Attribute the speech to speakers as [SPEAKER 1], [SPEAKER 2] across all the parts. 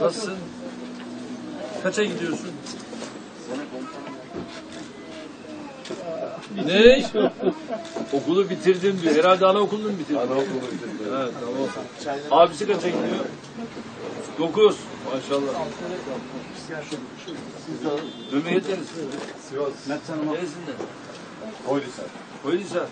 [SPEAKER 1] Nasılsın? Kaça gidiyorsun? Ne? Okulu bitirdim diyor. Herhalde anaokulunu mu bitirdin?
[SPEAKER 2] Anaokulunu bitirdim.
[SPEAKER 1] Evet, tamam. Abisi kaça gidiyor? 9. Maşallah. Memleket neresi?
[SPEAKER 2] Sivas.
[SPEAKER 1] Neresinden?
[SPEAKER 2] Koylisar.
[SPEAKER 1] Koylisar.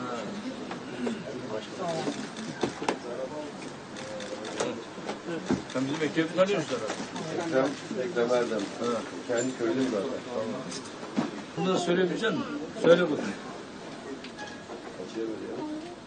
[SPEAKER 1] Sen bizim Ekrem'i tanıyorsun herhalde.
[SPEAKER 2] Ekrem Erdem. Kendi köylüyüm zaten.
[SPEAKER 1] Bunu da söyleyebilecek misin? Söyle bakayım.
[SPEAKER 2] Kaçıya veriyor?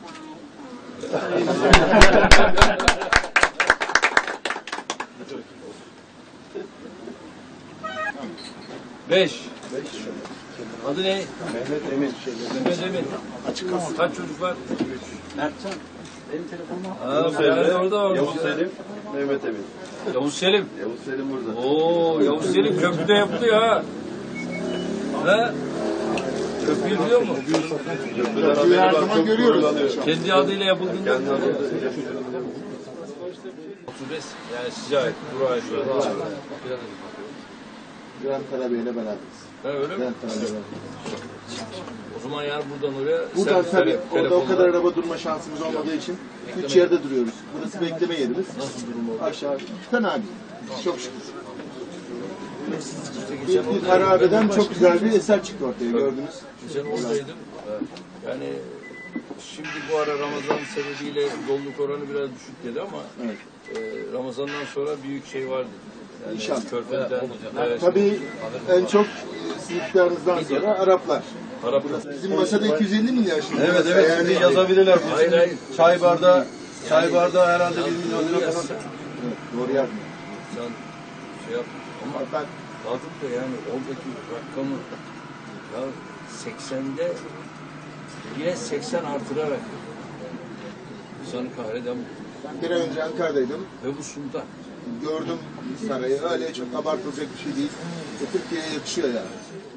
[SPEAKER 1] 5. Adı ne?
[SPEAKER 2] Mehmet Emin.
[SPEAKER 1] Mehmet Emin. Açık kalsın. Kaç çocuk var? 3.
[SPEAKER 3] Mertcan, benim telefonum
[SPEAKER 1] Aa,
[SPEAKER 2] Selim,
[SPEAKER 1] orada var.
[SPEAKER 2] Yavuz Selim, Mehmet Emin.
[SPEAKER 1] Yavuz Selim.
[SPEAKER 2] Yavuz Selim burada.
[SPEAKER 1] Oo, Yavuz Selim köprüde yaptı ha. He? Köprüyü biliyor mu?
[SPEAKER 2] Köprüden her zaman görüyoruz.
[SPEAKER 1] Kendi adıyla yapıldığında.
[SPEAKER 2] Kendi adıyla.
[SPEAKER 1] 35 yani size ait. Buraya ait.
[SPEAKER 4] Güven Karabey'le beraberiz.
[SPEAKER 1] Ha, öyle mi?
[SPEAKER 4] Güven Karabey'le.
[SPEAKER 1] O zaman yani buradan oraya
[SPEAKER 4] Buradan
[SPEAKER 1] sen
[SPEAKER 4] tabii orada o
[SPEAKER 1] telefonla-
[SPEAKER 4] kadar araba durma şansımız olmadığı için 3 yerde duruyoruz. Burası bekleme yerimiz.
[SPEAKER 1] Nasıl durum oldu?
[SPEAKER 4] Aşağı. Fena değil. Çok şükür.
[SPEAKER 1] Geçen
[SPEAKER 4] Bir
[SPEAKER 1] oradaydım.
[SPEAKER 4] harabeden çok güzel bir eser çıktı ortaya gördünüz.
[SPEAKER 1] Geçen oradaydım. Yani şimdi bu ara Ramazan sebebiyle doluluk oranı biraz düşük dedi ama
[SPEAKER 4] Evet.
[SPEAKER 1] Ramazan'dan sonra büyük şey vardı. Yani
[SPEAKER 4] İnşallah.
[SPEAKER 1] Körfez'den, evet,
[SPEAKER 4] Tabii en çok sizin iktidarınızdan sonra Araplar.
[SPEAKER 1] Arap.
[SPEAKER 4] Bizim masada 250 milyar şimdi.
[SPEAKER 2] Evet evet şimdi yazabilirler.
[SPEAKER 1] Hayır hayır.
[SPEAKER 2] Çay bardağı herhalde 1 milyon lira falan.
[SPEAKER 4] Evet, doğru yazmıyor.
[SPEAKER 1] Sen şey yap. Ama
[SPEAKER 4] Ben
[SPEAKER 1] kalkıp da yani oradaki rakamı ya 80'de yine 80 artırarak insanı kahreden bu.
[SPEAKER 4] bir ay önce Ankara'daydım.
[SPEAKER 1] Ve bu sultan.
[SPEAKER 4] Gördüm sarayı. Öyle çok abartılacak bir şey değil. Türkiye'ye yakışıyor yani.